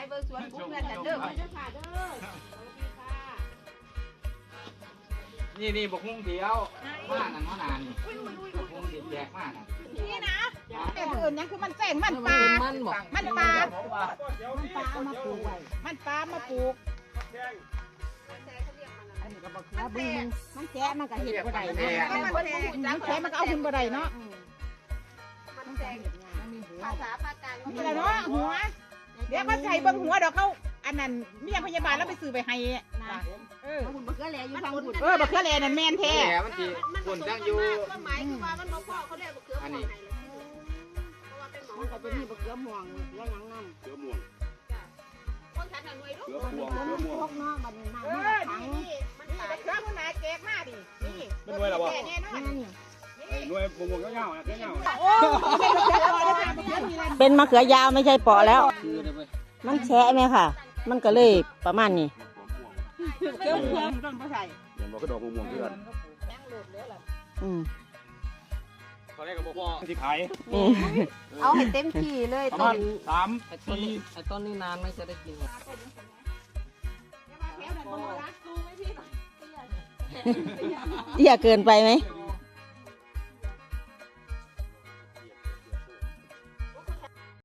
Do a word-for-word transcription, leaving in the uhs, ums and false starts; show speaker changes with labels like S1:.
S1: เบอร์สวนปุ๊บเงินแต่เด้อมาเด้อค่ะเด้อ
S2: นี่นี่บกหุ้งเดียวมากนั่นมานานนี่บกหุ้งเดียวแจกมากนะ
S1: นี่นะแต่อื่นยังคือมันแจ้งมันปลามันบอกมันปลามันปลามาปลูกมันปลามาปลูกอันนี้ก็บอกว่าบึ้งมันแฉะมันก็เห็นบ่ได้นะมันแฉะมันก็เอาขึ้นบ่ได้เนาะมันแฉะภาษาภาคกลางมันอะไรเนาะหัวเดี๋ยวก็ใส่เบิ้งหัวดอกเขาอันนั้นเมียพยาบาลแล้วไปซื้อไปให้นะเออบักเขือแลอยู่ทางบุญเออบักเขือแลนั่นแม่นแท้
S2: มันจีบุญจังอยู่
S1: ก็หมายคือว่ามันบ่พอเขาเรียกบักเขือม่วงให้เลยเพราะว่าเป็นหมอมันก็จะมีบักเขือม่วงแล้วหยังนำเขือม่วงคนทันหน่วยลูกเขือม่วงเขือม่วงพกเนาะมันน้ำมันนี่มันตายบักเขือคนไหนแจกมาดินี่เป็นหน่วยหรอวะแน่นอนหน่วยม่วงๆเงาๆนะเงาโอ้
S3: เป็นมะเขือยาวไม่ใช่เปาะแล้วมันแฉะไหมค่ะมันก็เลยประมาณนี้
S1: เขือม่วงต้นบ่ใส่
S4: เห็นบอกก็ดอกม่วงเพื่อน
S3: อืม
S4: เขาเรียกกับพ่อที่ขาย
S1: เอาให้เต็มที่เลยต้น
S4: สามปี
S2: ไอ้ต้นนี้นานไม่จะได้กิน
S3: เตี้ยเกินไปไหม